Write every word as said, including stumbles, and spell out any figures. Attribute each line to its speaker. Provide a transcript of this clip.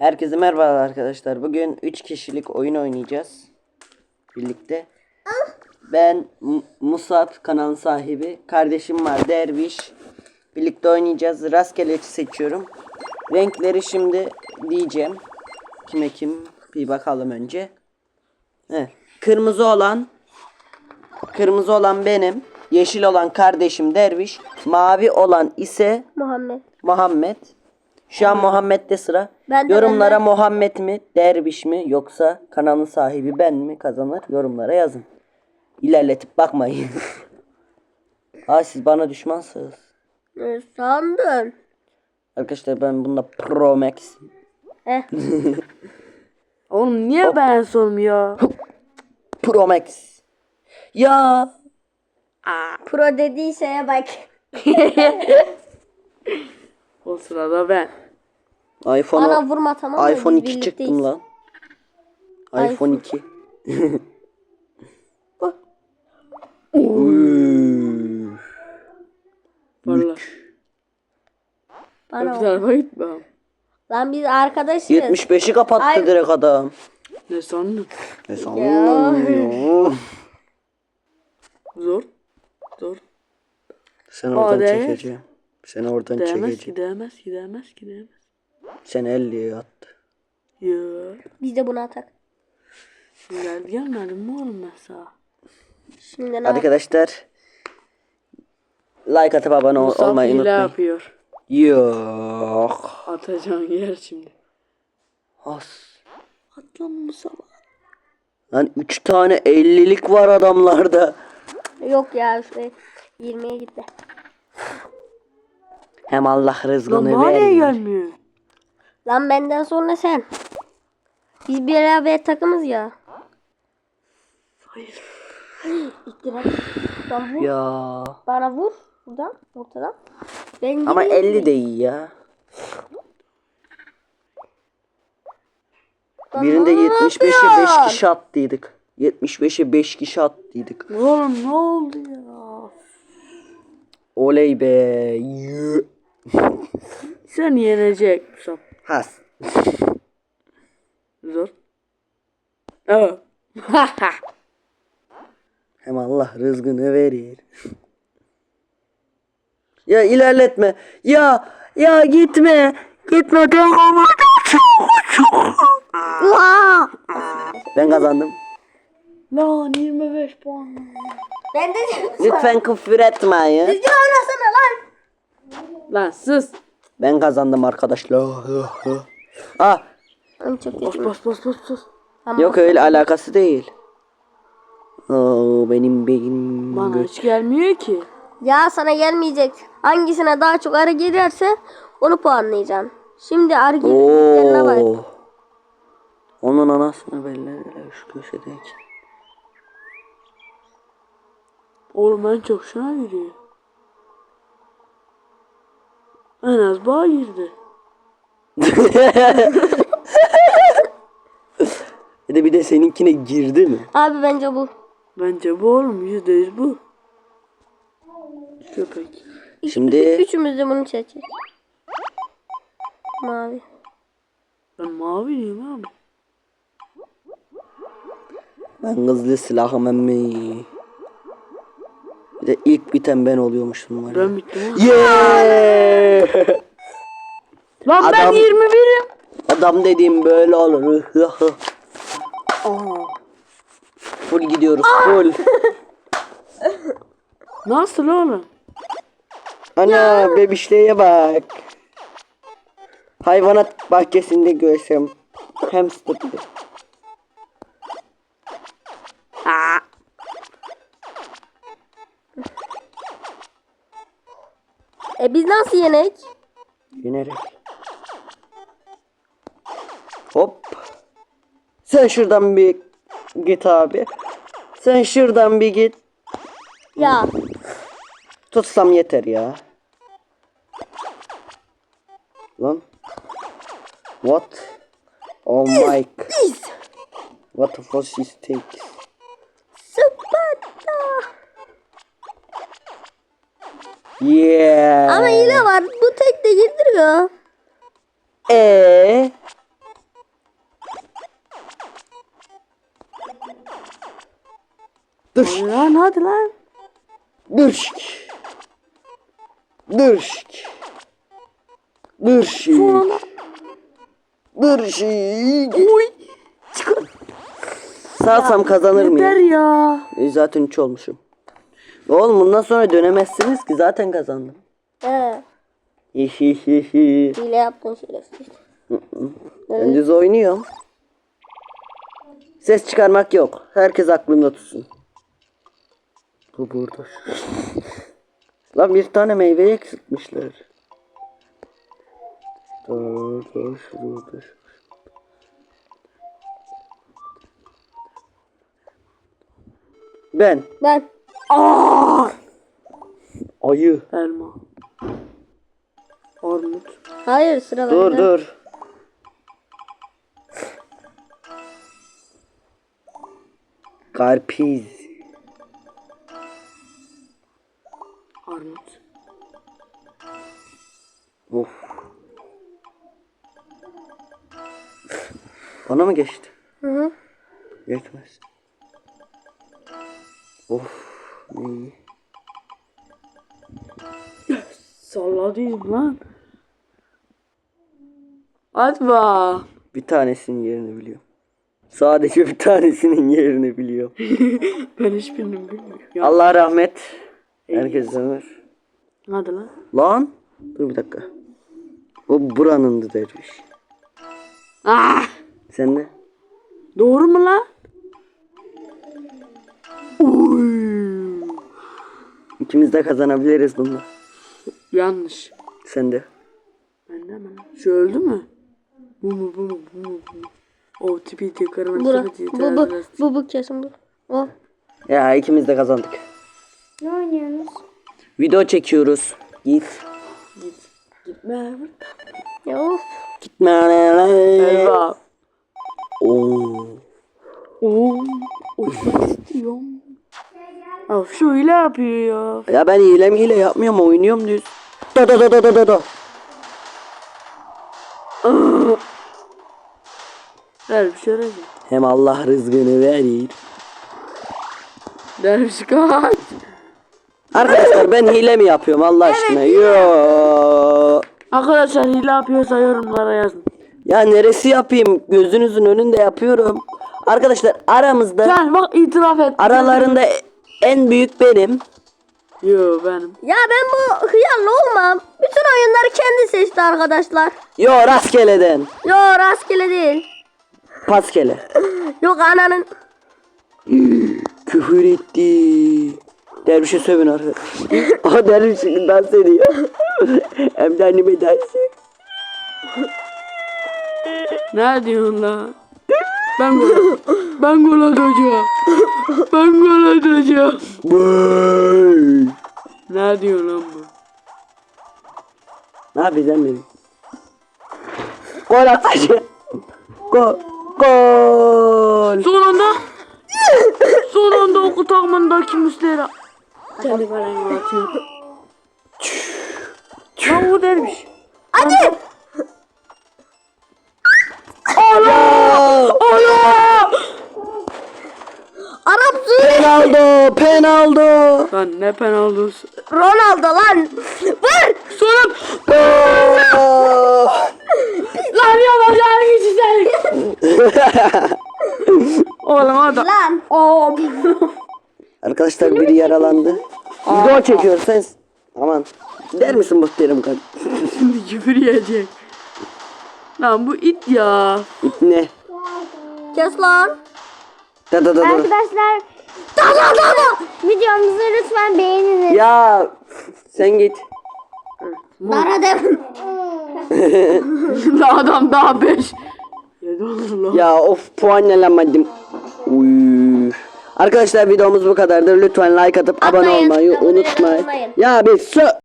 Speaker 1: Herkese merhaba arkadaşlar. Bugün üç kişilik oyun oynayacağız. Birlikte. Ben M- Musab, kanalın sahibi. Kardeşim var, Derviş. Birlikte oynayacağız. Rastgele seçiyorum. Renkleri şimdi diyeceğim. Kime kim bir bakalım önce. Heh. Kırmızı olan Kırmızı olan benim. Yeşil olan kardeşim Derviş. Mavi olan ise
Speaker 2: Muhammed.
Speaker 1: Muhammed. Şu an Muhammed'de sıra.
Speaker 2: Ben de,
Speaker 1: Yorumlara
Speaker 2: ben de.
Speaker 1: Muhammed mi, Derviş mi yoksa kanalın sahibi ben mi kazanır? Yorumlara yazın. İlerletip bakmayın. Aa, siz bana düşmansınız.
Speaker 2: Ne sandın?
Speaker 1: Arkadaşlar ben bunda Pro Max.
Speaker 2: Eh.
Speaker 3: Oğlum niye
Speaker 1: Hop.
Speaker 3: ben sormuyor?
Speaker 1: Pro Max. Ya.
Speaker 2: Pro dediği şeye bak.
Speaker 3: O sırada ben.
Speaker 1: iPhone
Speaker 2: Bana vurma, tamam mı?
Speaker 1: iPhone
Speaker 2: Biz
Speaker 1: iki
Speaker 2: birlikteyiz.
Speaker 1: çıktım lan.
Speaker 2: iPhone.
Speaker 1: iPhone iki. Uy.
Speaker 3: Valla.
Speaker 2: Bana
Speaker 3: Öbür
Speaker 2: vur.
Speaker 3: tarafa gitmem.
Speaker 2: Lan biz arkadaşız.
Speaker 1: yetmiş beşi kapattı
Speaker 2: Ay-
Speaker 1: direkt adam.
Speaker 3: Ne sandın?
Speaker 1: Ne sanıyorsun?
Speaker 3: Zor. Zor.
Speaker 1: Sen oradan
Speaker 3: Aa, değmez.
Speaker 1: çekeceğim. Seni oradan
Speaker 3: Değmez
Speaker 1: çekeceğim.
Speaker 3: ki değmez ki değmez ki değmez.
Speaker 1: Sen elliye attı.
Speaker 3: Ya.
Speaker 2: Biz de bunu atak.
Speaker 3: Geldi gelmedi mi oğlum ben sana?
Speaker 2: Şimdi ne yap-
Speaker 1: Arkadaşlar like atıp abone ol-
Speaker 3: Musab
Speaker 1: olmayı
Speaker 3: hile
Speaker 1: unutmayın.
Speaker 3: yapıyor.
Speaker 1: Yok.
Speaker 3: Atacağım yer şimdi.
Speaker 1: As.
Speaker 3: At lan Musab.
Speaker 1: Lan üç tane ellilik var adamlarda.
Speaker 2: Yok ya, şuraya yirmiye gitti.
Speaker 1: Hem Allah
Speaker 3: Lan
Speaker 1: rızkını
Speaker 3: bana niye
Speaker 1: ver.
Speaker 3: gelmiyor?
Speaker 2: Lan benden sonra sen. Biz bir beraber takımız ya.
Speaker 3: Hayır.
Speaker 2: İttirak. Lan vur.
Speaker 1: Ya.
Speaker 2: Bana vur. Buradan. Ortadan. Ben
Speaker 1: Ama
Speaker 2: gideyim.
Speaker 1: elli de iyi ya.
Speaker 2: Lan
Speaker 1: Birinde
Speaker 2: ne
Speaker 1: yetmiş beşe beş
Speaker 2: yapıyorsun?
Speaker 1: kişi attıydık. yetmiş beşe beş kişi attıydık.
Speaker 3: Oğlum ne oldu ya?
Speaker 1: Oley be. Yü.
Speaker 3: Sen yenecek Musab.
Speaker 1: Has.
Speaker 3: Zor. Evet.
Speaker 1: Hem Allah rızkını verir. Ya ilerletme. Ya ya gitme. Gitme. Ben kazandım.
Speaker 3: Lan yirmi beş puan.
Speaker 2: Ben de
Speaker 1: Lütfen küfür etmeyin.
Speaker 2: Düzgün oynasana lan.
Speaker 3: Lan sus.
Speaker 1: Ben kazandım arkadaşlar. Ah,
Speaker 2: Lan çok
Speaker 3: Bas
Speaker 2: kötü.
Speaker 3: bas bas bas bas.
Speaker 2: Tamam.
Speaker 1: yok öyle alakası değil. Oo, benim beynim.
Speaker 3: Bana hiç gelmiyor ki.
Speaker 2: Ya sana gelmeyecek. Hangisine daha çok arı gelirse onu puanlayacaksın. Şimdi arı gelirlerine bak.
Speaker 1: Oo. Onun anasını belli şu köşedeki.
Speaker 3: Oğlum en çok şuna giriyor. En az bağ girdi.
Speaker 1: Bir de bir de seninkine girdi mi?
Speaker 2: Abi bence bu.
Speaker 3: Bence bu oğlum yüzde yüz bu. Köpek.
Speaker 1: Şimdi
Speaker 2: Üçümüz de bunu seçeceğiz. Mavi.
Speaker 3: Ben mavi diyeyim abi.
Speaker 1: ben hızlı silahım emmi. Bir de ilk biten ben oluyormuşum var ya.
Speaker 3: Ben bittim oğlum.
Speaker 1: Yeah!
Speaker 3: Lan ben
Speaker 1: Adam-
Speaker 3: yirmi birim.
Speaker 1: Adam dediğim böyle olur.
Speaker 3: Aa.
Speaker 1: Full gidiyoruz full.
Speaker 3: Nasıl oğlum?
Speaker 1: Ana bebişliğe bak. Hayvanat bahçesinde görsem. Hamster.
Speaker 3: Aa.
Speaker 2: E biz nasıl yenek?
Speaker 1: Yenerek. Hop. Sen şuradan bir git abi. Sen şuradan bir git.
Speaker 2: Ya.
Speaker 1: Tutsam yeter ya. Lan. What? Oh my. What the fuck is takes?
Speaker 2: Sparta.
Speaker 1: Yeah.
Speaker 2: Ama yine var. Bu tek de girdiriyor.
Speaker 1: Eee? Dur.
Speaker 3: Hadi lan hadi lan.
Speaker 1: Dur. Dur. Dur.
Speaker 3: Sonra.
Speaker 1: Dur.
Speaker 3: Oy. Çıkar.
Speaker 1: Sağsam kazanır
Speaker 3: Yeter
Speaker 1: mıyım?
Speaker 3: ya.
Speaker 1: E, zaten üç olmuşum. Oğlum bundan sonra dönemezsiniz ki zaten kazandım.
Speaker 2: He.
Speaker 1: Hihihihi.
Speaker 2: Hile yaptın şerefsiz.
Speaker 1: Ben düz oynuyorum. Ses çıkarmak yok. Herkes aklında tutsun. Bu burada. Lan bir tane meyveyi eksiltmişler. Dur dur dur dur. Ben.
Speaker 2: Ben.
Speaker 3: Aa!
Speaker 1: Ayı.
Speaker 3: Elma. Armut.
Speaker 2: Hayır sıra bende.
Speaker 1: Dur dur. Karpiz.
Speaker 3: Armut.
Speaker 1: Of. Bana mı geçti?
Speaker 2: Hı hı.
Speaker 1: Geçmez. Of. Ne iyi.
Speaker 3: Salladıyım lan. Hadi bak.
Speaker 1: Bir tanesinin yerini biliyorum. Sadece bir tanesinin yerini biliyorum.
Speaker 3: Ben hiçbirini bilmiyorum. Ya.
Speaker 1: Allah rahmet. Herkes ömür.
Speaker 3: Hadi lan.
Speaker 1: Lan. Dur bir dakika. O buranındı derviş.
Speaker 3: Ah!
Speaker 1: Sen de?
Speaker 3: Doğru mu lan? Oy.
Speaker 1: İkimiz de kazanabiliriz bunu.
Speaker 3: Yanlış.
Speaker 1: Sen de.
Speaker 3: Bende mi lan? Şu öldü mü? Bu mu bu mu bu mu bu mu? O tipi tekrarını
Speaker 2: Bura. Bu bu. Bu bu kesin bu. O.
Speaker 1: Ya ikimiz de kazandık.
Speaker 2: Ne oynuyorsunuz?
Speaker 1: Video çekiyoruz. Git.
Speaker 3: Git. Gitme.
Speaker 2: Ya of.
Speaker 1: Gitme.
Speaker 3: Eyvah.
Speaker 1: Oo.
Speaker 3: Oo. Uçmak istiyorum. Of şu hile yapıyor ya.
Speaker 1: Ya ben hile hile yapmıyorum, oynuyorum düz. Da da da da da da da.
Speaker 3: Ver bir şey öğreneceğim.
Speaker 1: Hem Allah rızkını verir.
Speaker 3: Derviş kaç.
Speaker 1: Arkadaşlar ben hile mi yapıyorum Allah aşkına? Yo.
Speaker 3: Arkadaşlar hile yapıyorsa yorumlara yazın.
Speaker 1: Ya neresi yapayım? Gözünüzün önünde yapıyorum. Arkadaşlar aramızda
Speaker 3: Sen bak itiraf et.
Speaker 1: aralarında en büyük benim.
Speaker 3: Yo benim.
Speaker 2: Ya ben bu hıyarlı olmam. Bütün oyunları kendi seçti arkadaşlar.
Speaker 1: Yo rastgeleden.
Speaker 2: Yo rastgele değil.
Speaker 1: Paskele.
Speaker 2: Yok ananın.
Speaker 1: Küfür etti. Dervişe sövün arkadaşlar. Aha derviş şimdi dans ediyor. Hem de anneme dans.
Speaker 3: Ne diyorsun lan? Ben gol Ben gol atacağım. Ben gol atacağım.
Speaker 1: Vay.
Speaker 3: Ne diyor lan bu?
Speaker 1: Ne yapacağım benim? Gol atacağım. Gol. Gol.
Speaker 3: Son anda Son anda oku takımındaki Müslera. Kendi kalemi atıyor. Lan bu dermiş.
Speaker 2: Hadi.
Speaker 1: Allah!
Speaker 3: Allah!
Speaker 2: Arapsın.
Speaker 1: Penaldo, penaldo.
Speaker 3: Lan ne penaltısı.
Speaker 2: Ronaldo lan. Vur.
Speaker 3: Sonra
Speaker 1: Gol.
Speaker 3: lan yapacağını geçecek. Oğlum adam.
Speaker 2: Lan.
Speaker 3: Hop.
Speaker 1: Arkadaşlar biri yaralandı. Video çekiyor sen. Aman. Der misin muhterem kardeşim?
Speaker 3: Şimdi küfür yiyecek. Lan bu it ya.
Speaker 1: Ne?
Speaker 2: Kes lan.
Speaker 1: Da da da da.
Speaker 4: Arkadaşlar
Speaker 2: Da da da da.
Speaker 4: videomuzu lütfen beğeniniz.
Speaker 1: Ya sen git.
Speaker 2: Dara dem.
Speaker 3: Adam daha beş. Yedi olur lan.
Speaker 1: Ya of puanlamadım. Uy. Arkadaşlar videomuz bu kadardır. Lütfen like atıp abone
Speaker 2: Atmayın,
Speaker 1: olmayı
Speaker 2: abone
Speaker 1: unutmayın.
Speaker 2: olmayın.
Speaker 1: Ya bir sö